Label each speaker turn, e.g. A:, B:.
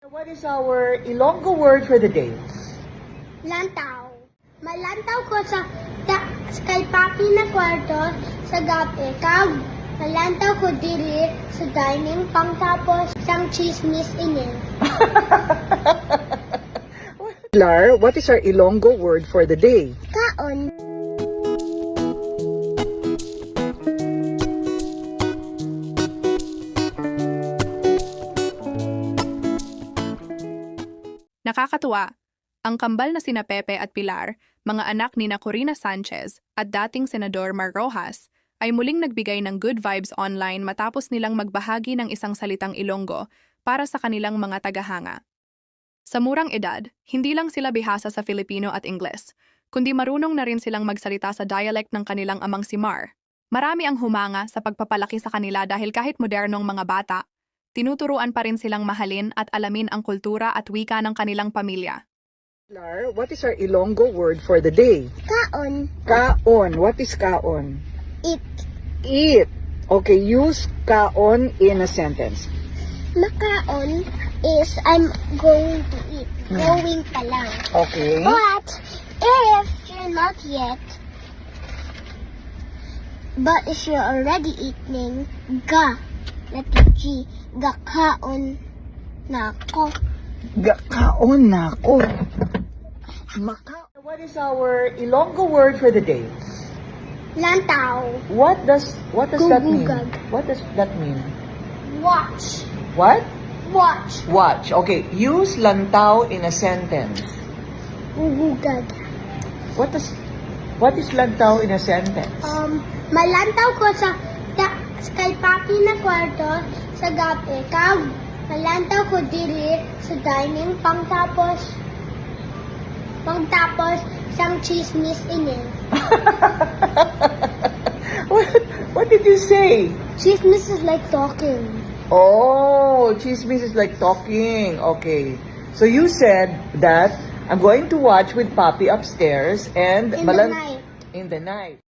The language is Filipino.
A: What is our Ilonggo word for the day?
B: Lantaw. Malantaw ko sa kay papi na kwarto sa gabi. Kag malantaw ko diri sa dining pangtapos sang chismis ini.
A: Pilar, what is our Ilonggo word for the day?
B: Kaon.
C: Nakakatuwa, ang kambal na sina Pepe at Pilar, mga anak ni na Corina Sanchez at dating Senador Mar Rojas, ay muling nagbigay ng good vibes online matapos nilang magbahagi ng isang salitang Ilonggo para sa kanilang mga tagahanga. Sa murang edad, hindi lang sila bihasa sa Filipino at Ingles, kundi marunong na rin silang magsalita sa dialect ng kanilang amang si Mar. Marami ang humanga sa pagpapalaki sa kanila dahil kahit modernong mga bata, tinuturuan pa rin silang mahalin at alamin ang kultura at wika ng kanilang pamilya.
A: Pilar, what is our Ilonggo word for the day?
B: Kaon.
A: Kaon. What is kaon?
B: It.
A: Eat. Okay, use kaon in a sentence.
B: Makaon is I'm going to eat. Going pa lang.
A: Okay.
B: But if you're not yet, but if you're already eating, letter G, gakaon na ako.
A: Kaon na ako. What is our Ilonggo word for the day?
B: Lantaw.
A: What does that mean?
B: Gugugag.
A: What does that mean?
B: Watch.
A: What?
B: Watch.
A: Watch. Okay, use lantaw in a sentence.
B: Gugugag.
A: What is lantaw in a sentence?
B: Malantaw ko sa kay papi na kwarto sa gabi. Kag malantaw ko diri sa dining pangtapos sang chismis ini.
A: What did you say?
B: Chismis is like talking.
A: Oh, chismis is like talking. Okay. So you said that I'm going to watch with Papi upstairs and
B: In the night.
A: In the night.